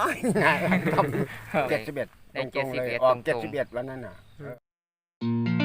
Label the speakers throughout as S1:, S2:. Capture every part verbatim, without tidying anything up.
S1: ายง่ายครับเจ็ดสิบเอ็ดต
S2: ได้
S1: รงๆเลย
S2: เจ็ดสิบเอ็ด
S1: ออก
S2: ตรงๆ
S1: เจ็ดสิบเอ็ดวันนั้นน่ะเออ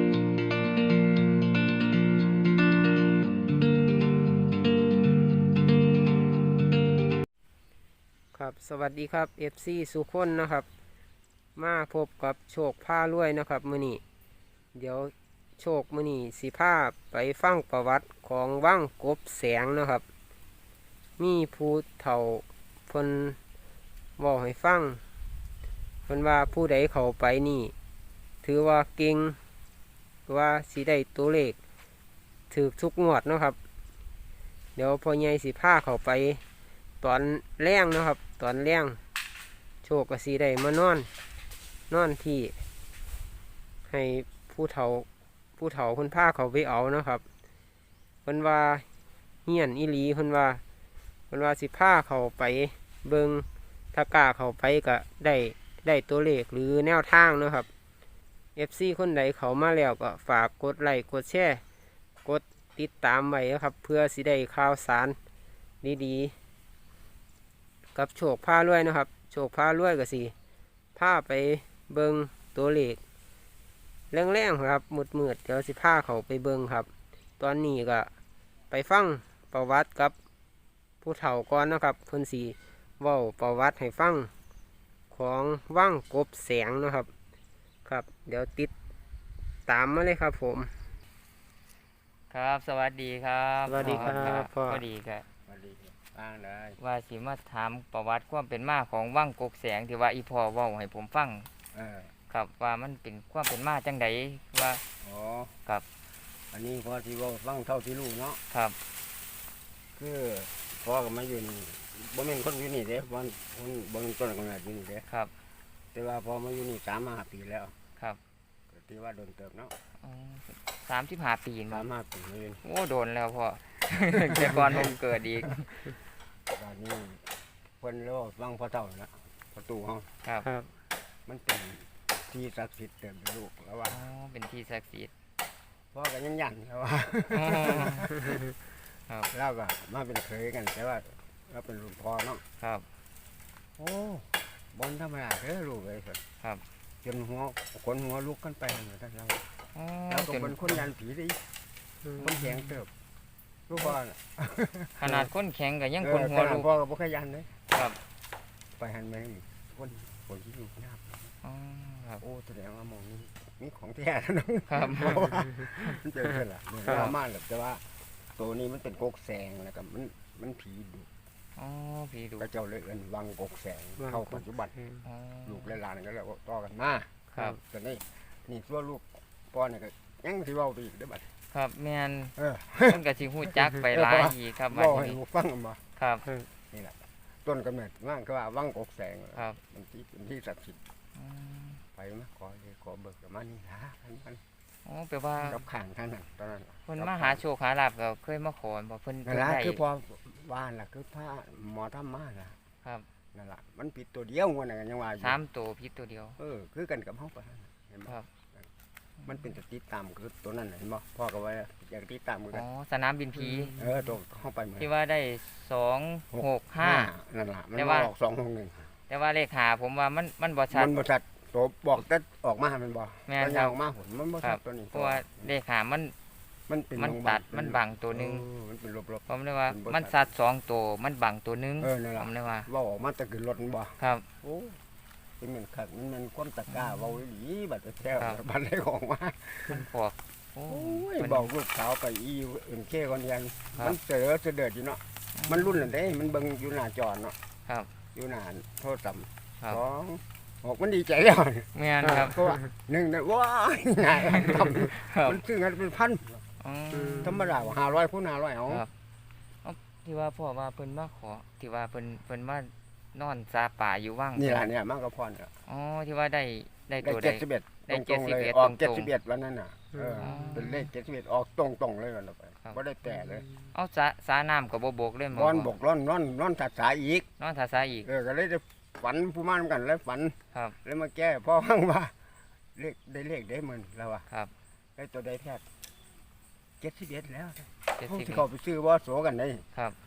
S3: ครับสวัสดีครับ เอฟ ซี สุคนนะครับมาพบกับโชคผ้ารวยนะครับมื้อนี้เดี๋ยวโชคมื้อนี้สิพาไปฟังประวัติของวังกบแสงนะครับ มีผู้เฒ่าเพิ่นบอกให้ฟังเพิ่นว่าผู้ใดเข้าไปนี่ ถือว่าเก่งว่าสิได้ตัวเลขถือทุกงวดเนาะครับ เดี๋ยวพ่อใหญ่สิพาเข้าไปตอนแรงเนาะครับ ตอนแรงโชคก็สีได้มานอน นอนที่ให้ผู้เฒ่าผู้เฒ่าคนพาเขาไปเอาเนาะครับเพิ่นว่าเฮียนอีหลีเพิ่นว่าเพิ่นว่าสิพาเขาไปเบิงถ้ากล้าเขาไปก็ได้ได้ตัวเลขหรือแนวทางเนาะครับ เอฟ ซี คนใดเขามาแล้วก็ฝากกดไลค์กดแชร์กดติดตามไว้นะครับ เพื่อสิได้ข่าวสารดีๆกับโชคพารวยนะครับ โชคพารวยก็สิพาไปเบิงตัวเลขแรงๆครับมืดๆเดี๋ยวสิพาเขาไปเบิงครับ ตอนนี้ก็ไปฟังประวัติกับผู้เฒ่าก่อนนะครับเพิ่นสีเว้าประวัติให้ฟังของว่างกบแสงนะครับ ครับ เดี๋ยวติดตามมาเลยครับผม
S2: ครับ สวัสดีครับ
S3: สวัสดีครับพ่อ
S2: พอดีครับ
S1: สวัสดีฟังเลย
S2: ว่าสิมาถามประวัติความเป็นมาของว่างกกแสงที่ว่าอีพ่อเว้าให้ผมฟัง
S1: เออ
S2: ครับว่ามันเป็นความเป็นมาจังไดว่า
S1: อ๋อ
S2: ครับ
S1: อันนี้พอที่ว่าฟังเท่าที่รู้เนาะ
S2: ครับ
S1: คือพ่อก็มาอยู่นี่บ่แม่นคนอยู่นี่เด้บ่คนบ่เป็นต้นกำเนิดอยู่นี่เด้
S2: ครับ
S1: แต่ว่าพอมาอยู่นี่สามห้าปีแล้ว
S2: ครับ
S1: ก็ที่ว่าโดนเติบเนาะ
S2: สามสิบห้าปี
S1: สา
S2: เนาะ
S1: มห้าปีนี่
S2: โอ้โดนแล้วพ่อ แต่ก่อนผมเกิดอีก
S1: ตอนนี้เพิ่นเรียกว่าฟังพ่อเฒ่าแล้วประตูห้อง
S2: ครับ
S3: ครับ
S1: มันเป็นที่ศักดิ์สิทธิ์เติมลูกแล้วว่า
S2: อ๋อเป็นที่ศักดิ์สิทธิ์
S1: พ่อก็ยังยันแล้วว่า
S2: อ๋อครับ
S1: เราก็มาเป็นเคยกันแต่ว่าเราเป็นรุ่นพ่อเนาะ
S2: ครับ
S1: โอ้บนธรรมดาเด้อลูกเลยสิ
S2: ครับ
S1: จนหัวขนหัวลุกกันไปเหมือนกันเรา
S2: อ๋อ
S1: เราก็
S2: จน
S1: เป็นคนยันผีดิคนแข็งเติบลูกพ่อน่ะ
S2: ขนาดคนแข็งก็ยัง
S1: เอ
S2: คน
S1: อ
S2: หัว
S1: ขนาด
S2: ลุก
S1: พ่อก็บ่เคยยันเลย
S2: ครับ
S1: ไปหันไปนี่คนคนที่อยู่หน้า
S2: อ๋อครับ
S1: โอ้แสดงว่ามองนี่มีของแท้นะน้อง
S2: ครับ
S1: เพราะว่ามันเจอกันล่ะเนี่ยเรามาแบบแต่ว่าตัวนี้มันเป็นกกแสงแล้วก็มันมันผีดุ
S2: อ๋อพี่ดู
S1: ก็เจ้าเลยเอิ้นวังกกแสงเข้าปัจจุบัน
S2: อ๋อ
S1: ลูกและหลานก็เลยต่อกันมา
S2: ครับ
S1: ตอนนี้นี่ตัวลูกพ่อเนี่ยก็ยังสิเว้าไปอีกเด้อบัด
S2: ครับแม่น
S1: เออ
S2: มันก็สิฮู้จักไปหลายอีกครับบัด
S1: เว้าให้
S2: นี้
S1: ลูกฟังมา
S2: ครับ
S1: นี่แหละต้นกำเนิดว่างก็ว่าวังกกแสง
S2: ครับ
S1: มันที่เป็นที่ศักดิ์สิทธิ์
S2: อืม
S1: ไปมาขอเลยขอเบิกกับมานี่นะอันนั้น
S2: อ๋อแปลว่า
S1: กับข้างท่านนั่นตอนนั้น
S2: เพิ่นมาหาโชคหาลาภก็เคยมาขอบ่เพิ่น
S1: นั่
S2: เพิ่
S1: น
S2: น
S1: ละ
S2: ได้
S1: คือพอว่านล่ะคือพระหมอธรรมาล่ะ
S2: ครับ
S1: นั่นล่ะมันผิดตัวเดียวงวดนั้นก็ยังว่าอยู่
S2: สามตัวพิษตัวเดียว
S1: เออคือกันกับเฮาปะนั่นน่ะเห็นบ่
S2: ครับ
S1: มันเป็นสติดตามคือตัวนั้นน่ะเห็นบ่พ่อก็ว่าอยากติดตามเหมือนกั
S2: อ๋
S1: น
S2: อสนามบินผี
S1: เออตัวเข้าไปเหมือน
S2: ที่ว่าได้สองหกห้า
S1: นั่นล่ะมัน
S2: แต่
S1: มา
S2: ว่า
S1: ออกสองหกหนึ่ง
S2: แต่ว่าเลขหาผมว่ามันมันบ่ชัด
S1: มันบ่ชัดตัวบอกแต่ออกมามันบ่
S2: แม่น
S1: ตัว
S2: ครั
S1: ยา
S2: บ
S1: วออกมาผลมันบ่
S2: ครั
S1: ชั
S2: บ
S1: ดตัวนี้
S2: เพราะว่าเลขหามัน
S1: มันเป็น
S2: มัน
S1: โรงพยา
S2: ตั
S1: บาล
S2: ดมันบังตัวหนึง
S1: เออมันเป็นลบ
S2: ผมเลยว่า
S1: เป็นบ่
S2: มัน
S1: ชัด
S2: สัดสองตัวมันบังตัวหนึง
S1: ๆเออนั่น
S2: ผ
S1: ล่ะ
S2: มเลยว่า
S1: เว้าออกมาแต่ขึ้นรถมันบ่
S2: ครับ
S1: โอ้เป็นเหมือนคักมันมันความตะกร้าเว้าอีหลีบัดแท้
S2: ครับ
S1: บัดได้ของมา
S2: มันพวกโอ้
S1: โอ้ย
S2: มัน
S1: บอกลูกสาวไปอีเอ็นเคคนเดียว
S2: ครับ
S1: มันเสือเสด็จอยู่เนาะมันรุ่นนั่นเด้มันเบิ่งอยู่หน้าจอเนาะ
S2: ครับ
S1: อยู่หน้าโทรศัพท์
S2: ครับ
S1: สองออกมันดีใจแล้ว
S2: แม่นครับ
S1: เพราะว่าหนึ่งเนี่ยว้ายง่ายทำ
S2: ครับ
S1: มันซื้อกันเป็นพัน
S2: อ๋อ
S1: ธรรมดาว่าห้าร้อยคูณห้าร้อยเอา
S2: ครับ ที่ว่าพ่อว่าเพิ่นมาขอที่ว่าเพิ่นเพิ่นมานอนซาป่าอยู่ว่าง
S1: นี่แหละเนี่ยมันก็พอเนี่ย
S2: อ๋อที่ว่าได้ได้
S1: ได้
S2: ตัว
S1: เจ็
S2: ได้
S1: ดสิบเอ็ด
S2: ได้
S1: ตรงๆเลย
S2: เจ็ดสิบเอ็ด
S1: ออก
S2: ต
S1: เจ็ด
S2: รง
S1: สิบ
S2: ๆ
S1: เอ็ดวันนั้นน่ะเออ
S2: อ๋อ
S1: เป็นเลขเจ็ดสิบเอ็ดออกตรงๆเลยวันละไป
S2: ครับ
S1: บ่ได้แต่เลย
S2: เอาสาสาน้ำกับบ่บกเลยหม
S1: ร้อนบกร้อนร้อนร้อนถัดสายอีก
S2: นอนทาสาอีก
S1: เออก็เลยจะฝันผู้มานำกันแล้วฝัน
S2: ครับ
S1: แล้วมาแก้พ่อฟังว่าเลขได้เลขได้หมื่นแล้วอ่ะ
S2: ครับ
S1: ได้ตัวได้แท้เจ็ดสิบเอ็ดแล้ว
S2: เจ็ด
S1: เขา
S2: สิบ
S1: ที่เขาไปซื้อว่าโสกันได้
S2: ครับ
S3: ครับ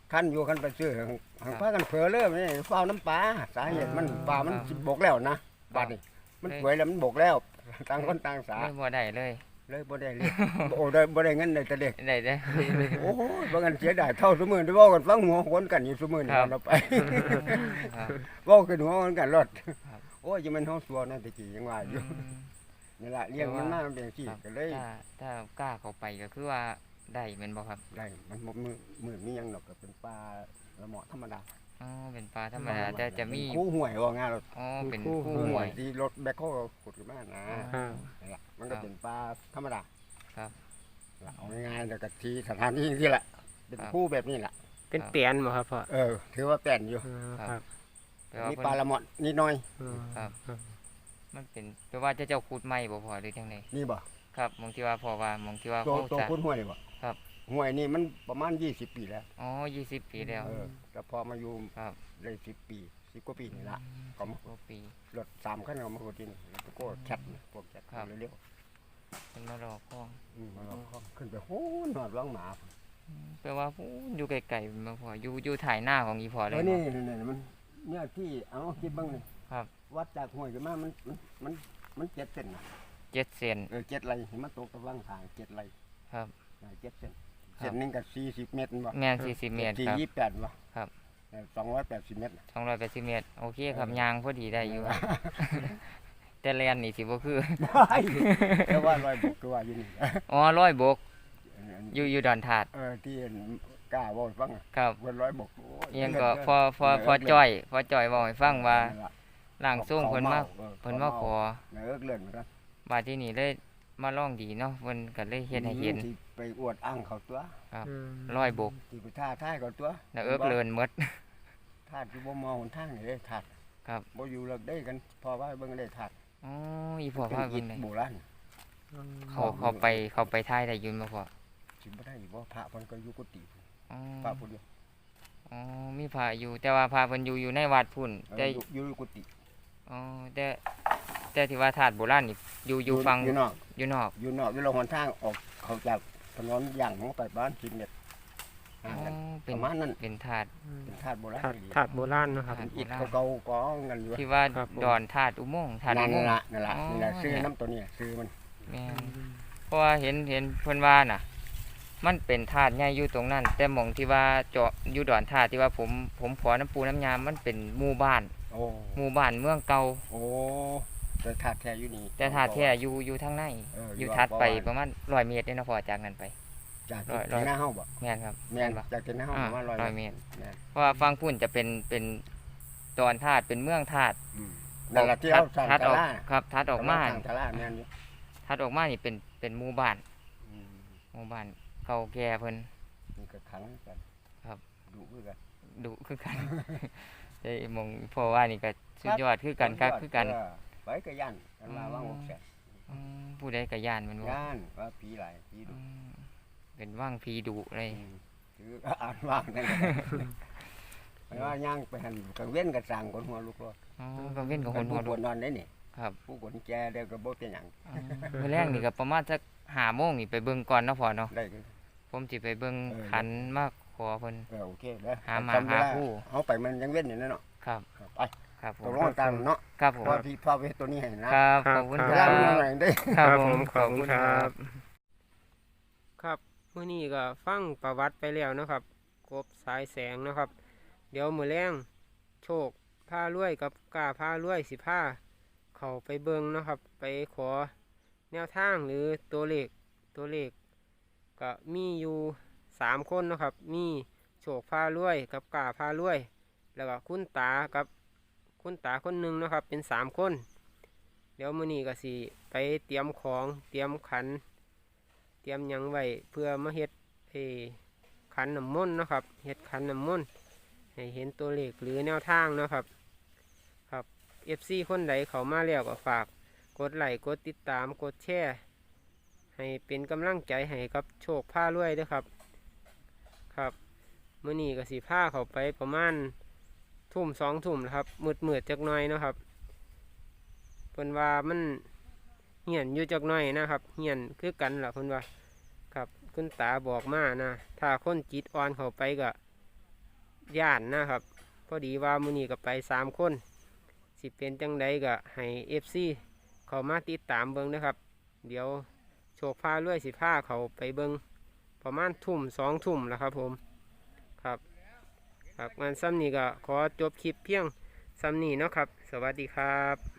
S1: คันอยู่คันไปซื้อหังหังพากันเผลอเลยนี่เฝ้าน้ำปลาสาเหตุมันปลามันสิบกแล้วนะบาดนี่มันป่วยแล้วมันบกแล้วต่างคนต่างสา
S2: เลยบ่ได้เลย
S1: เลยบ่ได้เลยโอ้ได้บ่ได้เงินได้แต่เด็ก
S2: ได้ได้
S1: โอ้ยบ่งั้นเสียดายเท่าซุมื้อที่เว้ากันฟังหัวคนกันอยู่ซุมื้อนี่
S2: ครับ
S1: เราไป
S2: ครับ
S1: เว้ากันหัวคนกันรถ
S2: ครับ
S1: โอ้ยจะมันเฮาสัวนั่นตะกี้ยังว่าอยู่
S2: อืม
S1: นี่ล่ะเลี้ยงมันมามันเป็นจังซี่
S2: ครับ
S1: ก็เลย
S2: ถ้าถ้ากล้าเข้าไปก็คือว่าได้แม่นบ่ครับ
S1: ได้มันบ่มือมือมีหยังดอกก็เป็นปลาละเหมาะธรรมดา
S2: อ๋อเป็นปลาธรรมดาแต่จะมี
S1: คู่ห่วยว่าง่ายรถ
S2: อ๋อเป็น
S3: คู่
S2: คู่
S3: ห่
S2: ห่
S3: ว
S2: วย ย
S1: ที่รถแบคโฮขุดขึ้นมานะ
S3: อ่า
S1: นี่ล่ะมันก็เป็นปลาธรรมดา
S2: ครับ
S1: ล่ะเอาง่ายๆแล้วก็ที่สถานที่ที่แหละเป็น
S2: ครับ
S1: คู่แบบนี้แหละ
S3: เป็นเปลี่ยนบ่ครับพ่อ
S1: เออถือว่าแป้นอยู่
S3: อ่า
S2: ค
S3: ค
S2: รั
S3: รับ บ
S2: แปลว่า
S1: มี
S2: เพิ่น
S1: ปลาละเหมาะนิดหน่อย
S3: อืม
S2: ครับ
S3: ครับ
S2: มันเป็นแปลว่าจะเจ้าขุดใหม่บ่พอหรือจังได
S1: นี่บ่
S2: ครับมองที่ว่าพอว่ามองที่ว่า
S1: ตัว
S2: เขา
S1: ตัว
S2: จะ
S1: คุณห้วยนี่บ่
S2: ครับ
S1: ห้วยนี่มันประมาณยี่สิบปีแล้ว
S2: อ๋อยี่สิบปีแล้ว
S1: เออแต่พอมาอยู่
S2: ครับ
S1: ได้สิบปีสิบกว่าปีนี่ละ ก็มา
S2: กว่าปี
S1: รถสามคันเอามาขุดที่นี่แล้วก็แคทนี่พวกแคท
S2: ครับ
S1: เร็ว
S2: เป็นมารอคล้อง
S1: ๆอืมมาลองเข้าขึ้นไปโหนหอดร้องหมา
S2: อืมแปลว่าอู้อยู่ไกลๆมาพออยู่อยู่ถ่ายหน้าของอีพอเล
S1: เอย อนี่นี่นี่มันเนี่ยที่เอาคิดเบ้างนี่
S2: ครับ
S1: วัดจากห้วยขึ้นมามันมันมันมันเจ็ดเส้นนะ
S2: เจ็ดเซน
S1: เออเจ็ดไรเห็นมันตกตะวังทางเจ็ดไร
S2: ครับ
S1: อ่าเจ็ดเส้น
S2: ครับ
S1: เส้นหนึงกับสี่สิบเมตรบ่
S2: แม่นสี่สิบเมตร
S1: สี่
S2: ครับ
S1: ยี่สิบแปดบ่
S2: ครับ
S1: สองร้อยแปดสิบเมตรน่ะ
S2: สองร้อยแปดสิบเมตรโอเคครับ
S1: เออ
S2: ยางพอดีได้อยู่ แต่แลนนี่สิบ่คือ
S1: แต่ว่าร้อยบกก็ว่าอยู่นี่
S2: อ๋อร้อยบก
S1: อันนี้
S2: อยู่อยู่ดอนถาด
S1: เออที่กล้าเว่าให้ฟังอะ
S2: ครับ
S1: วันร้อยบกโ
S2: เอียงก็พอพอพอจ้อยพอจ้อยบอกให้ฟังว่า
S1: นั่นล่ะ
S2: ร่างทรงเพิ่นมา
S1: ออ
S2: เพิ่นมาขอ
S1: เออเลื่อนเหมือนกัน
S2: บาดที่นี่เลยมาลองดีเนาะเพิ่นก็เลยเฮ็ดให้เห็น
S1: ที่ไปอวดอ้างเขาตัว
S2: ครับ
S3: อืม
S2: ร้อยบก
S1: ที่ไปท่าท่ายเขาตัว
S2: แล้วเอิกเลินหมด
S1: ท่าที่บ่มองหนทางนี่เด้ท่า
S2: ครับ
S1: บ่อยู่เลิกได้กันพอว่าเบิ่งได้ท่า
S2: อ๋ออีพ่อ
S1: เป็น
S2: พา
S1: อิ
S2: เบิ่
S1: ฐ
S2: งได้
S1: โบราณ
S2: เขาเขาไปเขาไปท้ายได้อยืนมาพ่อ
S1: สิบ่ได้บ่พระเพิ่นก็อยู่กุฏิ
S2: อ๋อ
S1: พระผู้เดียว
S2: อ๋อมีพระอยู่แต่ว่าพระเพิ่นอยู่อยู่ในวัดพุ่น
S1: เออ
S2: แต่
S1: อยู่อยู่กุฏิ
S2: อ๋อแต่แต่ที่ว่าถาดโบราณนี่อยู่อยู่ฟัง
S1: อยู่นอก
S2: อยู่นอก
S1: อยู่นอกอยู่ลงหนทางออกเขาจากถนนย่างลงไปบ้านสิบเมตร
S2: อ๋
S1: ห่าง
S2: อ
S1: กัน
S2: เป็
S1: ป
S2: น
S1: ระมาณนั้น
S2: เป็นถาด
S1: เป็นธาตุโบราณ
S3: ถาด
S1: อีหลี
S3: ถาดโบราณเนาะครับ
S2: ถาด
S1: อิฐเก่าๆกองกันอยู่
S2: ที่ว่า
S3: ครับผม
S2: ดอนถาดอุโมงค์ถาดอุ
S1: นั่น
S2: โมงค์
S1: ล่ะนั่นล่ะ
S2: อ๋อ
S1: นี่แหละซื้อ
S2: เนี่ย
S1: น้ำตัวเนี้ซื้อมัน
S2: แม่นเพราะว่าเห็นเห็นเพิ่นว่าน่ะ มันเป็นถาดใหญ่อยู่ตรงนั้น แต่หม่องที่ว่าเจาะอยู่ดอนถาดที่ว่าผมผมขอน้ำปูน้ำยามันเป็นหมู่บ้าน
S1: โอ้
S2: หมู่บ้านเมืองเก่า
S1: โอ้แต่ธาตุแท้อยู่นี่
S2: แต่ถาดแท้อยู่อยู่ทางใน
S1: เออ
S2: อ
S1: อยู่
S2: ยู่ถัดไป
S1: บ่ว่า
S2: ประมาณร้อยเมตรเนี่ยเนาะพอจากนั้นไป
S1: จาก
S2: ร้อย
S1: ที่หน้าเฮาบ่
S2: แม่นครับ
S1: แม่น
S2: บ่
S1: จากที่หน้าเฮา
S2: อ่า
S1: ประมาณร้อย
S2: ร้อยเมตร
S1: แม่น
S2: เพราะว่าฟังพุ่นจะเป็นเป็นดอนธาตุเป็นเมืองธาตุ
S1: อืมนั่นล่ะที่เอาสร้าง
S2: ทัด
S1: ศา
S2: ออก
S1: ลา
S2: ครับทัดออกมา
S1: สร้างศาลาแม่นอยู่
S2: ทัดออกมานี่เป็นเป็นหมู่บ้าน
S1: อืม
S2: หมู่บ้านเก่าแก่เพิ่น
S1: นี่ก็ขังกัน
S2: ครับ
S1: ดุคือกัน
S2: ดุคือกัน ได้หมองเพราะว่านี่ก็สุดยอดคือกันครับคือกัน
S1: เไปก็ย่านกันมาว่างหกแสน
S2: อืมผู้ใดก็ย่านแมันว่า
S1: ย่านว่าผีหลายผีดุ
S2: เป็นว่างผีดุเลย
S1: อืมคืออ่านว่างนั่นแหละไปว่าย่างไปหันกังเว้นกับสร้างคนหัวลูกรถ
S2: อ๋อก็เว้นกับคนหัว
S1: ผู้
S2: ดุ
S1: นอนได้นี่
S2: ครับ
S1: ผู้คนแก่เดี๋ยวก็บ่เป็นหยัง
S2: อ๋อมื้อแรกนี่ก็ประมาณสักห้าโมงนี่ไปเบิ่งก่อนเนาะพ่อเนาะ
S1: ได้คือ
S2: ผมสิไปเบิ่ง
S1: เออ
S2: ขันมาขอเพิ่น
S1: เออโอเคเด้อ
S2: หาหมา
S1: จำเวล
S2: หาผู้
S1: เฮาไปมันยังเว้นอยู่นั่นเนาะ
S2: ครับ
S1: ครับไป
S2: ครับผ
S1: ตก
S2: ม
S1: ลงตามเนาะ
S2: ครับผม
S1: เพราะพี่พ่อเวทตัวนี้ให้นะครับ
S2: ขอบคุณ
S3: ค
S2: ค
S3: รั
S2: รับ บ
S1: เวลามันหน่อยได้
S2: ครับผม
S3: ขอบคุณครับ ครับมื้อนี้ก็ฟังประวัติไปแล้วเนาะครับกบสายแสงเนาะครับ เดี๋ยวมื้อแรงโชคผ้ารวยกับกล้าผ้ารวยสิผ้าเข้าไปเบิ่งเนาะครับ ไปขอแนวทางหรือตัวเลขตัวเลขก็มีอยู่สามคนเนาะครับ มีโชคผ้ารวยกับกล้าผ้ารวย แล้วก็คุณตากับคุณตาคนหนึ่งเนาะครับ เป็นสามคน เดี๋ยวมื้อนี้ก็สิไปเตรียมของเตรียมขัน เตรียมหยังไว้เพื่อมาเฮ็ดเออขันน้ำมนต์เนาะครับเฮ็ดขันน้ำมนต์ให้เห็นตัวเลขหรือแนวทางเนาะครับครับ เอฟ ซี คนใดเขามาแล้วก็ฝากกดไลค์กดติดตามกดแชร์ให้เป็นกำลังใจให้กับโชคผ้ารวยเด้วยครับครับมื้อนี้ก็สิผ้าเขาไปประมาณทุ่มสองทุ่มนะครับมืดมืดๆจักหน่อยเนาะครับเพิ่นว่ามันเหียนอยู่จักหน่อยนะครับเหียนคือกันล่ะเพิ่นว่าครับคุณตาบอกมานะถ้าคนจิตอ่อนเข้าไปก็ย่านนะครับพอดีว่ามื้อนี้ก็ไปสามคนสิเป็นจังใดก็ให้ เอฟ ซี เข้ามาติดตามเบิ่งนะครับเดี๋ยวโชคพาด้วยสิพาเขาไปเบิ่งประมาณทุ่มสองทุ่มแล้วครับผมครับครับงานซ้ำนี้ก็ขอจบคลิปเพียงซ้ำนี้เนาะครับสวัสดีครับ